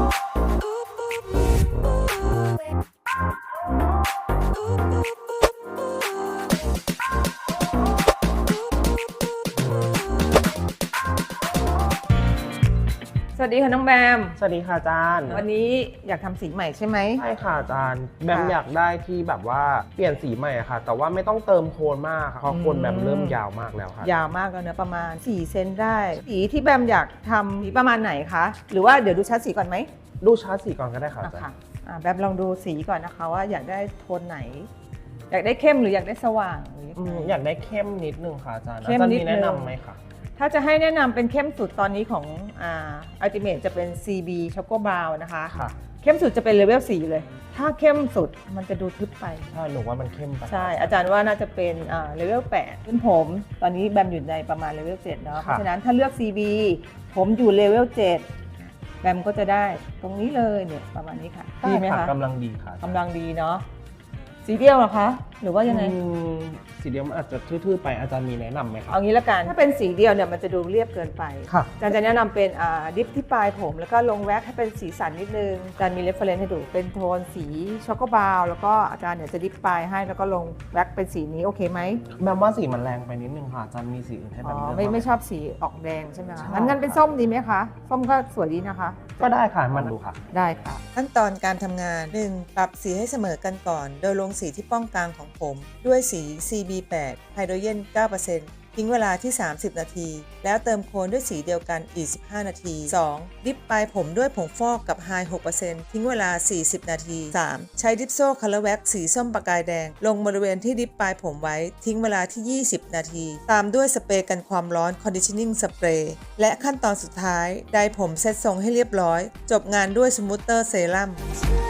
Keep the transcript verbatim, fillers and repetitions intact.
สวัสดีค่ะน้องแบมสวัสดีค่ะอาจารย์วันนี้อยากทำสีใหม่ใช่ไหมใช่ค่ะอาจารย์แบมอยากได้ที่แบบว่าเปลี่ยนสีใหม่ค่ะแต่ว่าไม่ต้องเติมโคนมากค่ะเพราะโคนแบมเริ่มยาวมากแล้วค่ะยาวมากแล้วนะประมาณสี่เซนได้สีที่แบมอยากทำสีประมาณไหนคะหรือว่าเดี๋ยวดูชัดสีก่อนไหมดูชาร์ตสีก่อนก็ได้ค่ะอาจารย์แบมลองดูสีก่อนนะคะว่าอยากได้โทนไหน อยากได้เข้มหรืออยากได้สว่างหรืออยากได้เข้มนิดนึงค่ะอาจารย์อาจารย์มีแนะนำไหมคะถ้าจะให้แนะนำเป็นเข้มสุดตอนนี้ของอ่า Ultimate จะเป็น ซี บี Choco Brown นะคะเข้มสุดจะเป็นเลเวลสี่เลยถ้าเข้มสุดมันจะดูทึบไปใช่หนูว่ามันเข้มไปใช่อาจารย์ว่าน่าจะเป็นอ่าเลเวลแปดขึ้นผมตอนนี้แบมอยู่ในประมาณเลเวลเจ็ดเนาะเพราะฉะนั้นถ้าเลือก ซี บี ผมอยู่เลเวลเจ็ดแบมก็จะได้ตรงนี้เลยเนี่ยประมาณนี้ค่ะดีไหมคะกำลังดีค่ะกำลังดีเนาะสีเดียวเหรอคะหรือว่ายังไงสีเดียวมันอาจจะทื่อๆไปอาจารย์มีแนะนำไหมคะเอางี้ละกันถ้าเป็นสีเดียวเนี่ยมันจะดูเรียบเกินไปอาจารย์จะแนะนำเป็นดิฟที่ปลายผมแล้วก็ลงแว็กให้เป็นสีสันนิดนึงอาจารย์มีเรฟเฟรนซ์ให้ดูเป็นโทนสีช็อกโกบราวน์แล้วก็อาจารย์เนี่ยจะดิฟปลายให้แล้วก็ลงแว็กเป็นสีนี้โอเคไหมแบมว่าสีมันแรงไปนิดนึงค่ะอาจารย์มีสีอื่นให้แบมเลือกไม่ไม่ชอบสีออกแดงใช่ไหมคะงั้นงั้นเป็นส้มดีไหมคะส้มก็สวยดีนะคะก็ได้ค่ะมันดูค่ะได้ค่ะขั้นตอนการทำงาน หนึ่ง ปรับสีให้เสมอกันก่อนโดยลงสีที่ป้องกลางของผมด้วยสี ซี บี แปด ไฮโดรเจน เก้าเปอร์เซ็นต์ ทิ้งเวลาที่ สามสิบ นาที แล้วเติมโคนด้วยสีเดียวกันอีก สิบห้า นาที สอง ดิปปลายผมด้วยผงฟอกกับไฮ หกเปอร์เซ็นต์ ทิ้งเวลา สี่สิบ นาที สาม ใช้ดิปโซ่คัลเลอร์แว็กสีส้มประกายแดงลงบริเวณที่ดิปปลายผมไว้ทิ้งเวลาที่ ยี่สิบ นาที ตามด้วยสเปรย์กันความร้อน Conditioning Spray และขั้นตอนสุดท้ายไดร์ผมเซตทรงให้เรียบร้อยจบงานด้วยสมูทเตอร์เซรั่ม